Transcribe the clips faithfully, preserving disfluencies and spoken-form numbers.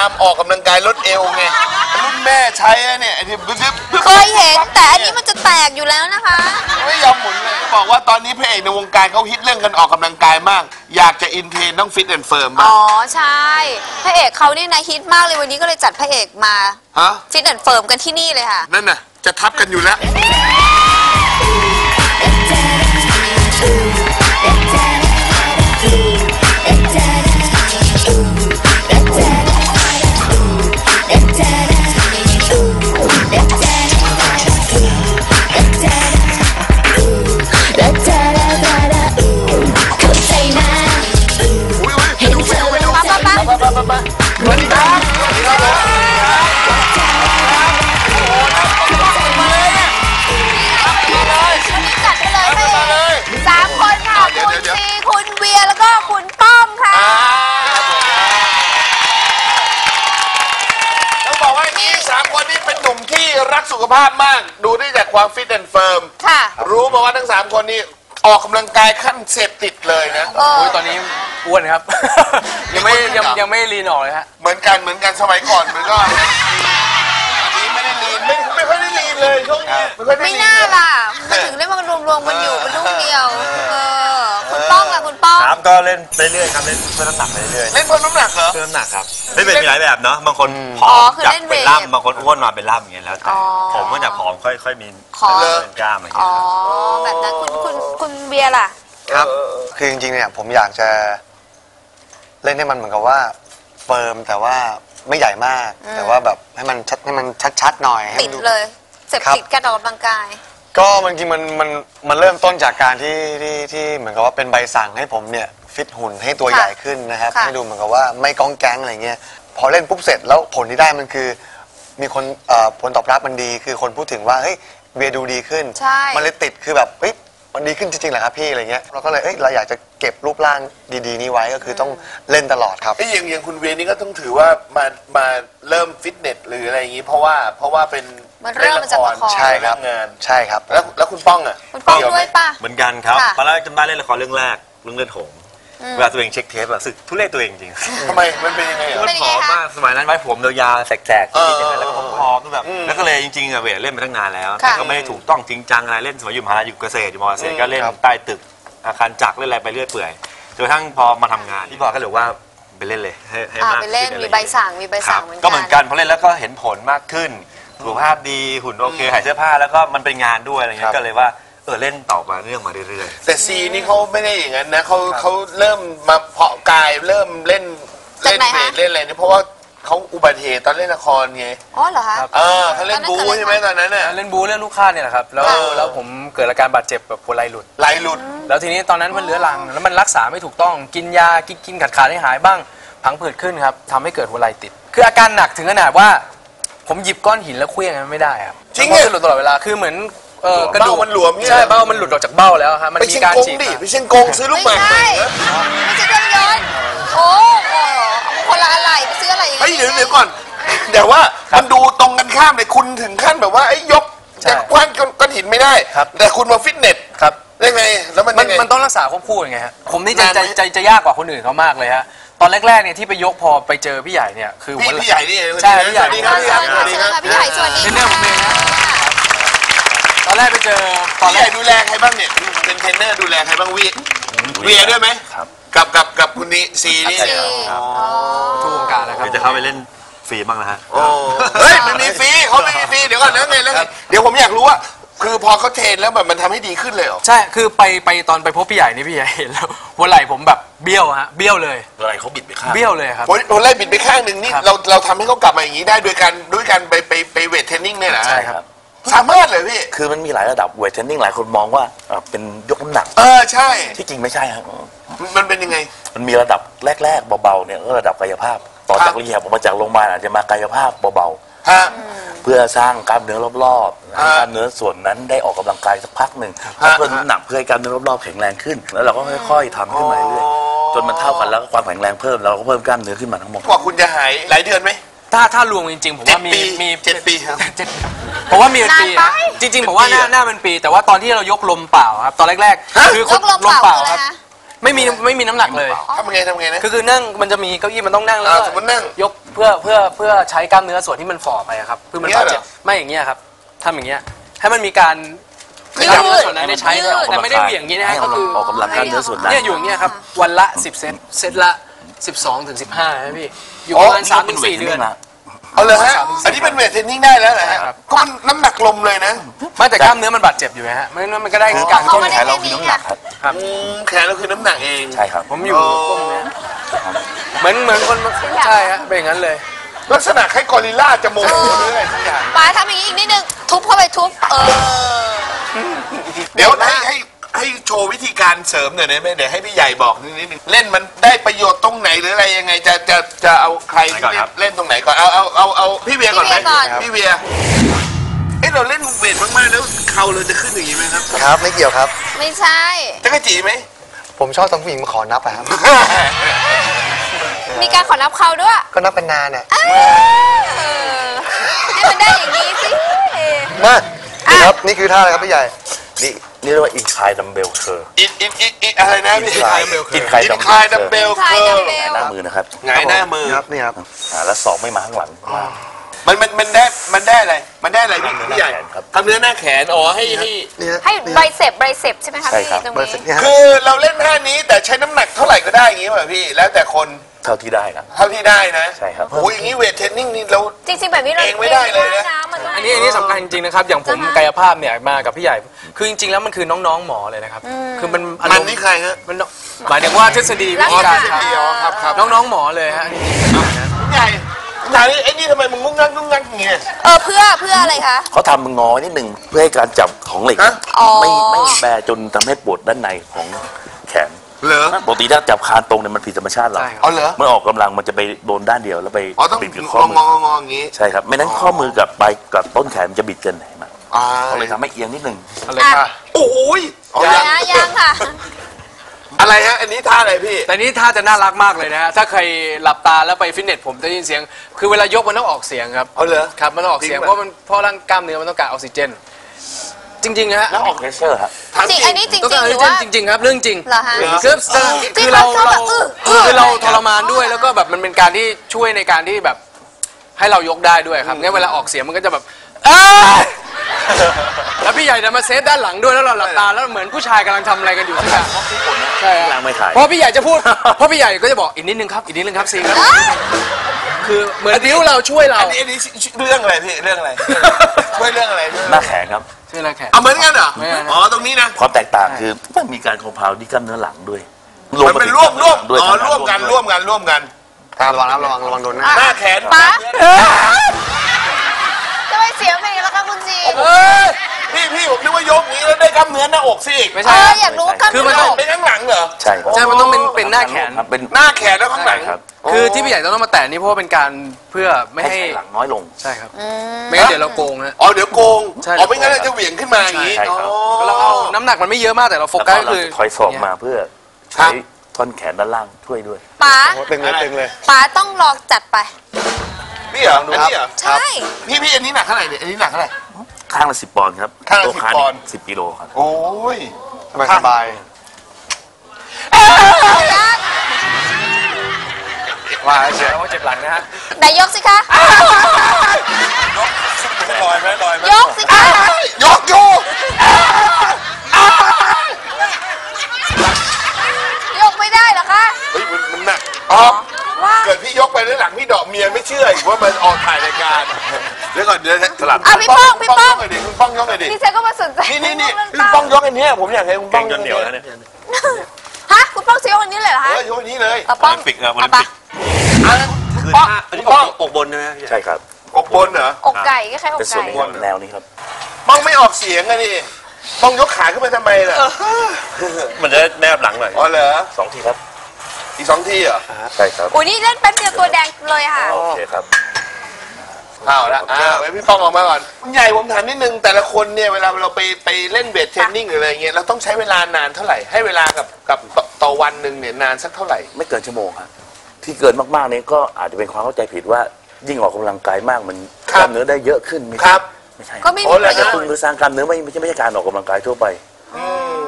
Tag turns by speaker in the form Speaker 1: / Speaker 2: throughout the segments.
Speaker 1: ามออกกำลังกายลดเอวไงรุ่นแม่ใช้เนี่ยไอ้ที่
Speaker 2: เคยเห็นแต่อันนี้มันจะแตกอยู่แล้วนะคะ
Speaker 1: ไม่ยอมหมุนเลยก็บอกว่าตอนนี้พระเอกในวงการเขาฮิตเรื่องกันออกกำลังกายมากอยากจะอินเทรนต้องฟิตแอนด์เฟิร์ม
Speaker 2: อ๋อใช่พระเอกเขาเนี่ยนะฮิตมากเลยวันนี้ก็เลยจัดพระเอกมาฟิตแอนด์เฟิร์มกันที่นี่เลยค่ะ
Speaker 1: นั่นน่ะจะทับกันอยู่แล้วรักสุขภาพมากดูได้จากความฟิตแอนด์เฟิร์มรู้มาว่าทั้งสามคนนี้ออกกำลังกายขั้นเสพติดเลยนะ
Speaker 3: โอ้ยตอนนี้อ้วนครับยังไม่ยังยังไม่ลีนออกเลยฮะ
Speaker 1: เหมือนกันเหมือนกันสมัยก่อนมันก็อันนี้ไม่ได้ลีนไม่ไม่ค่อยได้ลีนเลยช่วงนี้
Speaker 2: ไม่น่าล่ะมันถึงได้มารวมๆกันอยู่เป็นลูกเดียวคุณป้องล่ะคุณป้อง
Speaker 4: ครับก็เล่นไปเรื่อยครับเล่นเพิ่มน้ำหนักไปเรื่อย
Speaker 1: เล่นเพิ่มน้ำหนักเหรอ
Speaker 4: เพิ่มน้ำหนักครับเล่นเป็นมีหลายแบบเนาะบางคนผอมจากเป็นล่ำบางคนอ้วนมาเป็นล่ำอย่างเงี้ยแล้วแต่ผมก็จะผอมค่อยๆมีเป็นกล้ามอย่างเงี้ย
Speaker 2: อ๋อแบบนั้นคุณคุณคุณเบียร์ล่ะ
Speaker 5: ครับคือจริงๆเนี่ยผมอยากจะเล่นให้มันเหมือนกับว่าเฟิร์มแต่ว่าไม่ใหญ่มากแต่ว่าแบบให้มันชัดให้มันชัดๆหน่อย
Speaker 2: ติดเลยเสพติดการออกกำลังกาย
Speaker 5: ก็มันจริงมันมันมันเริ่มต้นจากการที่ที่ที่เหมือนกับว่าเป็นใบสั่งให้ผมเนี่ยฟิตหุ่นให้ตัวใหญ่ขึ้นนะครับให้ดูเหมือนกับว่าไม่ก้องแก๊งอะไรเงี้ยพอเล่นปุ๊บเสร็จแล้วผลที่ได้มันคือมีคนผลตอบรับมันดีคือคนพูดถึงว่าเฮ้ยเวียดูดีขึ้นมันเลยติดคือแบบเฮ้ยมันดีขึ้นจริงๆเหรอครับพี่อะไรเงี้ยเราก็เลยเอ้ยเราอยากจะเก็บรูปร่างดีๆนี้ไว้ก็คือต้องเล่นตลอดครับ
Speaker 1: ไอ้อย่างอย่างคุณเวียนี่ก็ต้องถือว่ามามาเริ่มฟิตเนสหรืออะไรอย่างงี้เพราะว่าเพราะว่าเป็น
Speaker 2: มันเริ่มมาจากละคร
Speaker 5: ใช่ครับ
Speaker 1: งาน
Speaker 5: ใช่ครับ
Speaker 1: แล้วแล้วคุณป้องอ่ะ
Speaker 2: คุณป้องด้วยป่ะ
Speaker 4: เหมือนกันครับตอนแรกจำได้เล่นละครเรื่องแรกเรื่องเลือดหงเวลาตัวเองเช็คเทปอะสึกทุเรศตัวเองจริง
Speaker 1: ทำไมมันเป็นยังไง
Speaker 4: มันผอมมากสมัยนั้นไว้ผมยาวๆแสกๆที่อย่างนั้นแล้วก็ผอมแบบแล้วก็เลยจริงๆอะเวทเล่นมาตั้งนานแล้วแต่ก็ไม่ได้ถูกต้องจริงจังอะไรเล่นสมัยอยู่มหาลัยอยู่เกษตรอยู่มอเกษตรก็เล่นใต้ตึกอาคารจักรเล่นอะไรไปเรื่อยเปื่อยจนกระทั่งพอมาทำงานที่บอกก็เลยว่าไปเล่นเลยให้ให้มาก
Speaker 2: ไปเล่นมีใบสั่งมีใบสั่งเหมือนกัน
Speaker 4: ก็เหมือนกันพอเล่นแล้วก็เห็นผลมากขึ้นสุขภาพดีหุ่นโอเคหายเสื้อผ้าแล้วก็มันเป็นงานด้วยอะไรเงี้ยก็เลยว่าเออเล่นต่อมาเรื่องมาเรื่อย
Speaker 1: ๆแต่ซีนี่เขาไม่ได้อย่างนั้นนะเขาเขาเริ่มมาเพาะกายเริ่มเล่นเล่นเบสเล่นอะไรนี่เพราะว่าเขาอุบัติเหตุตอนเล่นละครไง
Speaker 2: อ๋อเหรอคะ
Speaker 1: เออเขาเล่นบูใช่ไหมตอนนั้นน่ะ
Speaker 3: เล่นบูเล่นลูกค้าเนี่ยแหละครับแล้วแล้วผมเกิดอาการบาดเจ็บแบบหัวไหล่หลุด
Speaker 1: ไหล่หลุด
Speaker 3: แล้วทีนี้ตอนนั้นมันเรื้อรังแล้วมันรักษาไม่ถูกต้องกินยากินกินขาดขาดให้หายบ้างพังผืดขึ้นครับทำให้เกิดหัวไหล่ติดคืออาการหนักถึงขนาดว่าผมหยิบก้อนหินแล้วเคลื่อนไม่ได้ครับ
Speaker 1: จริงเนี่ย
Speaker 3: หลุดตลอดเวลาคือเหมือน
Speaker 1: กระดูกมันหลวม
Speaker 3: ใช่เบ้ามันหลุดออกจากเบ้าแล้วครับมันมีการฉีก
Speaker 1: ไปเชียงกงซื้อลูกหมาก
Speaker 2: ไม่ไม่ใช่เครื่องยนต์โอ้โหคนละอะไรไปซื้ออะไรอย่างเงี้ย
Speaker 1: เฮ้ยเดี๋ยวเดี๋ยวก่อนเดี๋ยวว่ามันดูตรงกันข้ามเลยคุณถึงขั้นแบบว่าไอ้ยกแต่คว้านก้อนหินไม่ได้แต่คุณมาฟิตเนส
Speaker 3: ครับ
Speaker 1: ได้ไงแล้วมันยังไง
Speaker 3: มันต้องรักษาควบคู่ยังไงฮะผมนี่จะจะจะยากกว่าคนอื่นเขามากเลยฮะตอนแรกๆเนี่ยที่ไปยกพอไปเจอพี่ใหญ่เนี่ยคือ
Speaker 1: พี่พี่ใหญ่นี่
Speaker 3: ใช่พี่ใหญ่
Speaker 2: พี่ใหญ่สวัสดีครับพี่ใหญ่สวัสดี
Speaker 3: เรื่องผมเองนะตอนแรกไปเจอ
Speaker 1: ตอนแรกดูแลใครบ้างเนี่ยเป็นเทรนเนอร์ดูแลใครบ้างวีเวียด้วยไหมกับกับกับคุณนี่ซีนี่
Speaker 3: ทุกวงการนะครับ
Speaker 4: จะเข้าไปเล่นฟรีบ้างนะฮะ
Speaker 1: เฮ้ยมันมีฟรีเขาไม่มีฟรีเดี๋ยวก่อนนะไงแล้วเดี๋ยวผมอยากรู้ว่าคือพอเขาเทรนแล้วแบบมันทำให้ดีขึ้นเลยเหรอ
Speaker 3: ใช่คือไปไปตอนไปพบพี่ใหญ่นี่พี่ใหญ่เห็นแล้วหัวไหล่ผมแบบเบี้ยวฮะเบี้ยวเลย
Speaker 4: หัวไหล่เขาบิดไปข้าง
Speaker 3: เบี้ยวเลยครับ
Speaker 1: หัวไหล่บิดไปข้างหนึ่งนี่เราเราทำให้เขากลับมาอย่างนี้ได้โดยการด้วยการไปไปไปเวทเทรนนิ่งเนี่ยนะ
Speaker 4: ใช่ครับ
Speaker 1: สามารถเลยพี่
Speaker 4: คือมันมีหลายระดับเวทเทรนนิ่งหลายคนมองว่าเป็นยกน้ำหนัก
Speaker 1: เออใช่
Speaker 4: ที่จริงไม่ใช่ครับ
Speaker 1: มันเป็นยังไง
Speaker 4: มันมีระดับแรกๆเบาๆเนี่ยก็ระดับกายภาพต่อจากรีแฮบออกมาจากโรงพยาบาลอาจจะมากายภาพเบาๆเพื่อสร้างกล้ามเนื้อรอบๆกล้ามเนื้อส่วนนั้นได้ออกกำลังกายสักพักหนึ่งเพิ่มน้ำหนักเพื่อให้กล้ามเนื้อรอบๆแข็งแรงขึ้นแล้วเราก็ค่อยๆทำขึ้นมาเรื่อยๆจนมันเท่ากันแล้วก็ความแข็งแรงเพิ่มเราก็เพิ่มกล้ามเนื้อขึ้นมาทั้งหมด
Speaker 1: กว่าคุณจะหายหลายเดือนไหม
Speaker 3: ถ้าถ้ารวมจริงๆผมว่ามีมี
Speaker 1: เจ็ดปีครับ
Speaker 3: ผมว่ามีเป็นปีจริงๆผมว่าหน้าหน้าเป็นปีแต่ว่าตอนที่เรายกลมเปล่าครับตอนแรกๆ
Speaker 2: คือยกลมเปล่าครับ
Speaker 3: ไม่มีไม่มีน้ำหนักเลย
Speaker 1: ทำไงทำไงนะ
Speaker 3: คือคือนั่งมันจะมีเก้าอี้มันต้องนั่งแล้ว
Speaker 1: อ่า
Speaker 3: ก็
Speaker 1: สมมุตินั่ง
Speaker 3: ยกเพื่อเพื่อเพื่อใช้กล้ามเนื้อส่วนที่มันฝ่อไปอะครับเพื่อมัน
Speaker 1: เนี่ย
Speaker 3: บาด
Speaker 1: เหรอ
Speaker 3: เจ็บไม่อย่างเงี้ยครับทำอย่างเงี้ยให้มันมีการ
Speaker 2: ยืด
Speaker 3: กล้ามเนื้อส่วนนั้นได้ใช้
Speaker 2: ยืด
Speaker 3: แต่ไม่ได้เหวี่ยงอย่างนี้นะฮะก็คือ
Speaker 4: ออกกำลังกล้ามเนื้อส่วนนั้น
Speaker 3: เนี่ยอยู่อย่างเงี้ยครับวันละสิบเซตเซตละสิบสองถึงสิบห้านะพี่อยู่ประมาณสามถึงสี่เดือน
Speaker 1: เอาเลยฮะอันนี้เป็นเวทเทรนนิ่งได้แล้วเหรอฮะ
Speaker 3: ครับ
Speaker 1: ก็มันน้ำหนักลมเลยนะ
Speaker 3: ไม่แต่กล้ามเนื้อมันบาดเจ็บอยู่ไงฮะไม่งั้นมันก็ได้การ
Speaker 2: เขา
Speaker 3: ต้น
Speaker 2: ไม่
Speaker 3: แข
Speaker 2: ได้
Speaker 3: น
Speaker 4: เราคือน้ำหนักครับ
Speaker 3: ครับ
Speaker 1: อืมแขนเราคือน้ำหนักเอง
Speaker 4: ใช่ครับ
Speaker 3: ผมอยู่ก้มเนี่ยเหมือนเหมือนคนใช่ฮะเป็นอย่างนั้นเลย
Speaker 1: ลักษณะคล้ายกอริลลาจะโมโหหรืออะไรสักอย่าง
Speaker 2: ป๋าทำอย่างนี้อีกนิดนึงทุบเข้าไปทุบเออ
Speaker 1: เดี๋ยวให้ให้ให้โชว์วิธีการเสริมหน่อยได้ไหมเดี๋ยวให้พี่ใหญ่บอกนิดนึงเล่นมันได้ประโยชน์ตรงไหนหรืออะไรยังไงจะจะจะเอาใครที่เล่นเล่นตรงไหนก่อนเอาเอาเอาเอาพี่เวียก่อนไหมพี่เวียเอ้เราเล่นเวทมากๆแล้วเข่าเราจะขึ้นอย่างนี้ไหมครับ
Speaker 5: ครับไม่เกี่ยวครับ
Speaker 2: ไม่ใช่
Speaker 1: จะกระจีไหม
Speaker 5: ผมชอบตอนผู้หญิงมาขอนับอะครับ
Speaker 2: มีการขอนับเขาด้วย
Speaker 5: ก็นับเป็นนานเนี่ย
Speaker 2: เออให้มันได้อย่างนี้สิ
Speaker 5: มานี่ครับนี่คือท่าอะไรครับพี่ใหญ่
Speaker 4: นี่นี่เรียกว่าอินคลายดัมเบลเคอร์
Speaker 1: อีอีอีอีอะไรนะพี่
Speaker 4: อินคลายอินคลาย
Speaker 1: อินคลายดัมเบล
Speaker 2: คลาย
Speaker 1: เคิ
Speaker 2: ดั
Speaker 1: ร์
Speaker 2: มเบล
Speaker 4: หน้ามือนะครับ
Speaker 1: หงายหน้ามือ
Speaker 5: ครับนี่ครับ
Speaker 4: อ่าแล้วศอกไม่มาข้างหลัง
Speaker 1: มันมันมันได้มันได้อะไรมันได้อะไรพี่พี่ใหญ่
Speaker 4: ครับ
Speaker 1: ทำเนื้อหน้าแขนอ๋อให้ให้
Speaker 5: นี่ฮะ
Speaker 2: ให้
Speaker 5: นี่
Speaker 2: ไบ
Speaker 5: ฮะ
Speaker 2: เซปไบเซปใช่ไหมคะ
Speaker 4: ใช่
Speaker 2: พี่
Speaker 4: ครับ
Speaker 2: ตรง
Speaker 5: เบอร์
Speaker 2: นี้
Speaker 5: สิบนี่ฮะ
Speaker 1: คือเราเล่นท่านี้แต่ใช้น้ำหนักเท่าไหร่ก็ได้อย่างงี้ป่ะพี่แล้วแต่คน
Speaker 4: เท่าที่ได้ครับ
Speaker 1: เท่าที่ได้นะ
Speaker 4: ใช่ครับ
Speaker 1: โอ้ยอย่างนี้เวทเทรนนิ่งนี่เรา
Speaker 2: จริงๆแบบนี้เรา
Speaker 1: เองไม่ได้เลยนะ
Speaker 2: มันต้อง
Speaker 3: อันนี้อันนี้สำคัญจริงๆนะครับอย่างผมกายภาพเนี่ยมากับพี่ใหญ่คือจริงๆแล้วมันคือน้องๆหมอเลยนะครับคือมันอาร
Speaker 1: มัน
Speaker 3: มณ์
Speaker 1: นี่ใครฮะ
Speaker 3: มันหมายถึงว่าทฤษฎีวิธีการครับ
Speaker 1: เดียวครับครับ
Speaker 3: น้องๆหมอเลยฮะจริงๆเป็นอย่างนั้น
Speaker 1: พี่ใหญ่พี่ใหญ่ไอ้นี่ทำไมมึงงุ้งงักงุ้งงักอย่างเงี้ย
Speaker 2: เออเพื่อเพื่ออะไรคะ
Speaker 4: เขาทำมืองอนิดหนึ่งเพื่อให้การจับของเหล็ก
Speaker 1: ฮะ
Speaker 2: อ๋อ
Speaker 4: ไม่ไม่แบจนทำให้ปวดด้านในของแขน
Speaker 1: เหรอ
Speaker 4: ปกติถ้าจับคานตรงเนี่ยมันผิดธรรมชาติเรา
Speaker 3: ใช่ครับ
Speaker 1: เอาเหรอ
Speaker 4: เมื่อออกกำลังมันจะไปโดนด้านเดียวแล้วไป
Speaker 1: อ๋อต้อง
Speaker 4: บิดกับ
Speaker 1: ง
Speaker 4: ข้อ
Speaker 1: อ
Speaker 4: มื
Speaker 1: ง
Speaker 4: อ
Speaker 1: องออย่างงี้
Speaker 4: ใช่ครับ ไม่นั้นข้อมือกับปลายกับต้นแขนมันจะบิดกันเห็นไหม
Speaker 1: อ่า
Speaker 4: ก็เลยทำให้เอียงนิดหนึ่ง
Speaker 3: อะไรค่ะ
Speaker 1: โอ้ยอ๋อ
Speaker 2: ยั
Speaker 1: ยัง
Speaker 2: งยังค่ะ
Speaker 1: อะไรฮะอันนี้ท่าอะไรพี่
Speaker 3: แต่นี่ท่าจะน่ารักมากเลยนะฮะถ้าใครหลับตาแล้วไปฟิตเนสผมจะได้ยินเสียง คือเวลายกมันต้องออกเสียงครับ
Speaker 1: เอาเหรอ
Speaker 3: ครับมันต้องออกเสียง
Speaker 1: จริง
Speaker 3: เพ
Speaker 1: ป่ะ
Speaker 3: ราะมันเพราะร่างกล้ามเนื้อมันต้องการออกซิเจน จริงๆฮะ
Speaker 4: แล้วออกเพรสเชอร์ครับ
Speaker 1: ถาม
Speaker 2: จริงอันนี้จริง
Speaker 3: ต้อง
Speaker 2: จริ
Speaker 3: กาง รอ
Speaker 2: ห
Speaker 3: อก
Speaker 2: รือ
Speaker 3: ซิเจน
Speaker 2: ว่า
Speaker 3: จริงๆครับเรื่องจริง
Speaker 2: เหรอฮะ
Speaker 3: คือคือเรา
Speaker 2: ที่เขา
Speaker 3: เรา
Speaker 2: แบบอื้ออื้อ
Speaker 3: คือเราทรมานด้วยแล้วก็แบบมันเป็นการที่ช่วยในการที่แบบให้เรายกได้ด้วยครับงั้นเวลาออกเสียงมันก็จะแบบเอ้ยแล้วพี่ใหญ่จะมาเซฟด้านหลังด้วยแล้วเราหลับตาแล้วเหมือนผู้ชายกำลังทำอะไรกันอยู่สักอย่างใช่ฮะ
Speaker 4: ล้างไม่ถ่าย
Speaker 3: เพราะพี่ใหญ่จะพูด เพราะพี่ใหญ่ก็จะบอกอีกนิดนึงครับอีกนิดนึงครับซีครับคือเหมือนบิ้วเราช่วยเรา
Speaker 1: อันนี้อันนี้เรื่องอะไรพี่เรื่องอะไรช่วยเรื่องอะไรด้วย
Speaker 4: หน้าแขนครับ
Speaker 3: ช่วยอะไรแขน
Speaker 1: เอาเหมือนกันเหรอ
Speaker 3: ไม่ไม่
Speaker 1: อ๋อตรงนี้นะ
Speaker 4: ความแตกต่างคือมันมีการคอมเพลที่กล้ามเนื้อหลังด้วย
Speaker 1: มันเป็นร่วมร่วม
Speaker 4: ด้วย
Speaker 1: อ๋อร่วมกันร่วมกันร่วมกัน
Speaker 5: ครับระวังนะครับระวังระวังโดนหน้า
Speaker 1: หน้าแขน
Speaker 2: ป๊าจะไปเสียงเพลงแล้วคะคุณจี
Speaker 1: เอ้ยพี่พี่ผมนึกว่ายกนี้แล้วได้กล้ามเนื้อหน้าอกสิ
Speaker 3: ไม่
Speaker 2: เอ
Speaker 3: ใช่
Speaker 2: อ
Speaker 3: ครับ
Speaker 2: อยากรู้ว่ากล้าม
Speaker 3: คือมั
Speaker 2: เนื้
Speaker 3: น
Speaker 2: อ
Speaker 3: ต้อง
Speaker 1: ไปข้างหลังเหรอ
Speaker 4: ใช่ครับ
Speaker 3: ใช่มันต้องเป็นเป็นหน้าแขน
Speaker 4: ครับเป็น
Speaker 1: หน้าแขนแล้วข้างหลัง
Speaker 4: ใช่ครับ
Speaker 3: คือที่พี่ใหญ่ต้องมาแตะนี่เพราะว่าเป็นการเพื่อไม่
Speaker 4: ให้
Speaker 3: ให้
Speaker 4: หลังน้อยลง
Speaker 3: ใช่ครับไม่งั้นเดี๋ยวเราโกงนะ
Speaker 1: อ๋อเดี๋ยวโกง
Speaker 3: ใช่
Speaker 1: อ๋อไม่งั้นเราจะเหวี่ยงขึ้นมาอย่างนี้
Speaker 4: ใช่ครับ
Speaker 1: อ๋อ
Speaker 3: เราเอาน้ำหนักมันไม่เยอะมากแต่เราโฟ
Speaker 4: แล้ว
Speaker 3: กั
Speaker 4: ก็
Speaker 3: สก็
Speaker 4: เรา
Speaker 3: คือ
Speaker 4: จะถอยศอกมาเพื่อ
Speaker 1: ครั
Speaker 4: ใช้
Speaker 1: บ
Speaker 4: ท่อนแขนด้านล่างช่วยด้วย
Speaker 2: ป๋า
Speaker 5: โอ้ตึงเลยตึงเลย
Speaker 2: ป๋าต้องลองจัดไป
Speaker 1: นี่เหรออันนี้เหรอ
Speaker 2: ใช่
Speaker 1: พี่พี่อันนี้หนักเท่าไหร่เนี่ยอันนี้หนักเท่าไหร่
Speaker 4: ข้างละสิบปอนด์ครับ
Speaker 1: ข้างละ
Speaker 4: ตัว
Speaker 1: สิบ
Speaker 4: ขา
Speaker 1: ปอนด์
Speaker 4: สิบกิโลครับ
Speaker 1: โอ้ย
Speaker 5: สบายสบายว่าเฉย
Speaker 3: เราก็เจ็บหลังนะฮะ
Speaker 2: ไหนยกสิคะ
Speaker 1: ลอยไหมลอยไหม
Speaker 2: ยกสิคะ
Speaker 1: ยกโยก
Speaker 2: ยกไม่ได้เหรอคะ
Speaker 1: เฮ้ยมันมันหนักอ๋อ
Speaker 2: ว่า
Speaker 1: เกิดพี่ยกไปแล้วหลังพี่ดอกเมียไม่เชื่ออีกว่ามันออกถ่ายรายการเดี๋ยวก่อนเดี๋ยวสลับ
Speaker 2: อ่ะพี่ป้องพี่ป้อง
Speaker 1: ยกหน่อยดิคุณป้องยกหน่อยดิ
Speaker 2: พี่เซก็มาสนใจ
Speaker 1: นี่นี่นี่
Speaker 2: เรื่อง
Speaker 1: คุณป้องยกอันเนี้ยผมอยากให้คุณป้อง
Speaker 4: จนเหนียวแล้วเนี่ย
Speaker 2: ฮะคุณป้องซื้อยกอันนี้เลยเหรอ
Speaker 1: เอ
Speaker 2: ฮะ
Speaker 1: อยกอันนี้เลย
Speaker 2: เอาป้อง
Speaker 4: โอลิมปิกครับโอลิ
Speaker 2: เอา
Speaker 4: ม
Speaker 2: ไป
Speaker 4: ปิก
Speaker 1: อ่ะคุณป้องคุณป้อง
Speaker 5: อกบนใช่ไหม
Speaker 4: ใช่ครับ
Speaker 1: อกบนเหรอ
Speaker 2: อกไก่ก็แค่อก
Speaker 4: เป็นส่ว
Speaker 2: ไก่
Speaker 4: นของแนวนี้ครับ
Speaker 1: ป้องไม่ออกเสียงอะนี่ป้องยกขาขึ้นมาทำไมล่ะ
Speaker 4: มันจะแนบหลังหน่อย
Speaker 1: อ๋อเหรอ
Speaker 4: สองทีครับ
Speaker 1: อีกสองทีเหรอ
Speaker 4: ใช่ครับ
Speaker 2: อุ้ยนี่เล่นแป๊บเดียวตัวแดงเลยค่ะ
Speaker 4: โอเคครับ
Speaker 1: เอาละอ่าไว้พี่ป้องออกมาก่อนคุณใหญ่ผมถามนิดนึงแต่ละคนเนี่ยเวลาเราไปไปเล่นเวทเทรนนิ่งหรืออะไรเงี้ยเราต้องใช้เวลานานเท่าไหร่ให้เวลากับกับต่อต่อวันหนึ่งเนี่ยนานสักเท่าไหร่
Speaker 4: ไม่เกินชั่วโมงครับที่เกินมากๆนี้ก็อาจจะเป็นความเข้าใจผิดว่ายิ่งออกกำลังกายมากมันกล้ามเนื้อได้เยอะขึ้นไม่
Speaker 1: ค
Speaker 4: ใช่
Speaker 1: รับ
Speaker 4: ไม่ใช่
Speaker 2: ก็ไม่มี
Speaker 1: โอ้
Speaker 2: ป
Speaker 1: แล้ว
Speaker 2: ระโย
Speaker 4: กระ
Speaker 2: ช
Speaker 4: ตุ้น
Speaker 2: น์
Speaker 4: หรือสร้างกล้ามเนื้อไม่ไม่ใช่ไม่ใช่การออกกำลังกายทั่วไป
Speaker 1: อืม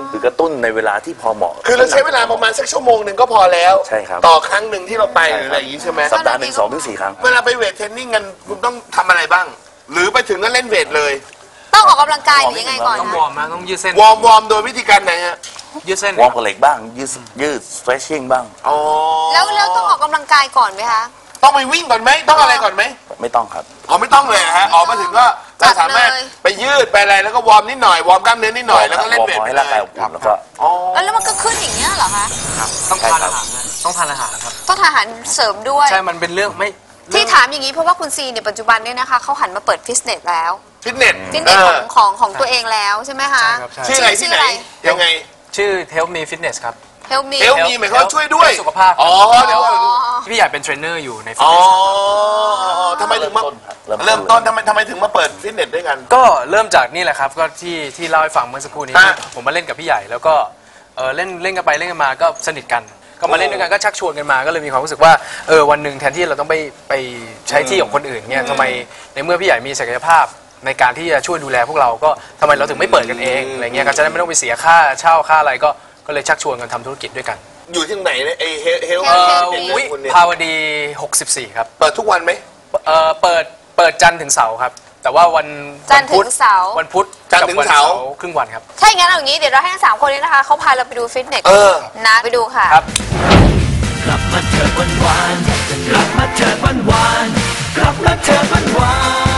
Speaker 4: คือกระตุ้นในเวลาที่พอเหมาะ
Speaker 1: คือเราใช้เวลาประมาณสักชั่วโมงหนึ่งก็พอแล้ว
Speaker 4: ใช่ครับ
Speaker 1: ต่อครั้งหนึ่งที่เราไปหรืออะไรอย่างนี้ใช่ไหม
Speaker 4: สัปดาห์หนึ่งสองถึงสี่ครั้ง
Speaker 1: เวลาไปเวทเทรนนิ่งกันคุณต้องทำอะไรบ้าง หรือไปถึงก็เล่นเวทเลย
Speaker 2: ต้องออกกำลังกายหรือยังไงก่อน
Speaker 3: ต้อง
Speaker 2: นะ
Speaker 3: วอร์มนะต้องยืดเส้น
Speaker 1: วอร์มวอร์มโดยวิธีการไหนฮะ
Speaker 3: ยืดเส้น
Speaker 4: วอร์มกับเหล็กบ้าง ยืดยืด stretching บ้าง
Speaker 1: อ๋อ
Speaker 2: แล้วแล้วต้องออกกำลังกายก่อนไหมคะ
Speaker 1: ต้องไปวิ่งก่อนไหมต้องอะไรก่อนไหม
Speaker 4: ไม่ต้องครับ
Speaker 1: อ๋อไม่ต้องเลยเหรอฮะออกมาถึงก็เราสามารถไปยืดไปอะไรแล้วก็วอร์มนิดหน่อยวอร์มกล้ามเนื้อนิดหน่อยแล้วก็เล่นเวท
Speaker 4: วอร์ม
Speaker 1: ไป
Speaker 4: ให้
Speaker 1: เล
Speaker 4: ร่างกาย
Speaker 1: ย
Speaker 4: อบอุ่นแล้วก็
Speaker 1: อ๋อ
Speaker 2: แล้วแล้วมันก็ขึ้นอย่างเงี้ยเหรอคะ
Speaker 3: ต้องทานอาหารนะต้องทานอาหารครับ
Speaker 2: ต้องทานอาหารเสริมด้วย
Speaker 3: ใช่มันเป็นเรื่องไม่
Speaker 2: ที่ถามอย่างนี้เพราะว่าคุณซีเนี่ยปัจจุบันเนี่ยนะคะเขาหันมาเปิดฟิตเนสแล้ว
Speaker 1: ฟิตเนส
Speaker 2: ฟิตเนสของของของตัวเองแล้วใช่ไหมคะ
Speaker 3: ใช่ครับใช่
Speaker 1: ชื่ออะไรที่ไหนยังไง
Speaker 3: ชื่อ Help Me Fitness ครับ
Speaker 2: เฮลมี
Speaker 1: เอลมีหมายความว่าช่วยด้วย
Speaker 3: สุขภาพ
Speaker 1: อ๋อเดี๋ยวก่อน
Speaker 3: พี่ใหญ่เป็นเทรนเนอร์อยู่ในฟิต
Speaker 1: อ๋อ
Speaker 3: เนส
Speaker 1: ทำไมถึงมา
Speaker 4: เริ่มต้น
Speaker 1: เริ่มต้นทำไมทำไมถึงมาเปิดฟิตเนสด้วยกัน
Speaker 3: ก็เริ่มจากนี่แหละครับก็ที่ที่เล่าให้ฟังเมื่อสักครู่นี้
Speaker 1: ฮะ
Speaker 3: ผมมาเล่นกับพี่ใหญ่แล้วก็เออเล่นเล่นกันไปเล่นกันมาก็สนิทกัน ก็มาเล่นด้วยกันก็ชักชวนกันมาก็เลยมีความรู้สึกว่าเออวันหนึ่งแทนที่เราต้องไปไปใช้ที่ของคนอื่นเนี่ยทำไมในเมื่อพี่ใหญ่มีศักยภาพในการที่จะช่วยดูแลพวกเราก็ทำไมเราถึงไม่เปิดกันเองอะไรเงี้ยก็จะได้ไม่ต้องไปเสียค่าเช่าค่าอะไรก็ก็เลยชักชวนกันทำธุรกิจด้วยกัน
Speaker 1: อยู่ที่ไหนเนี่ยไอเฮลเฮล
Speaker 2: เอ่อ
Speaker 3: วิภาวดีหกสิบสี่ครับ
Speaker 1: เปิดทุกวันไหม
Speaker 3: เออเปิดเปิดจันทร์ถึงเสาร์ครับแต่ว่าวัน
Speaker 2: จันทร์ถึง
Speaker 3: วัพุธ
Speaker 2: เสาร์
Speaker 3: วันพุธ
Speaker 1: จันทร์ถึงเสาร์
Speaker 3: กับวันครึ่งวันครับ
Speaker 2: ถ้าอย่างนั้นเอาอย่างนี้เดี๋ยวเราให้ทั้งสามคนนี้นะคะเขาพาเราไปดูฟิตเนส
Speaker 1: เออ
Speaker 2: นะไปดูค่ะ
Speaker 3: ครับ
Speaker 6: กลับมาเถิดวันวานกลับมาเถิดวันวานกลับมาเถิดวันวาน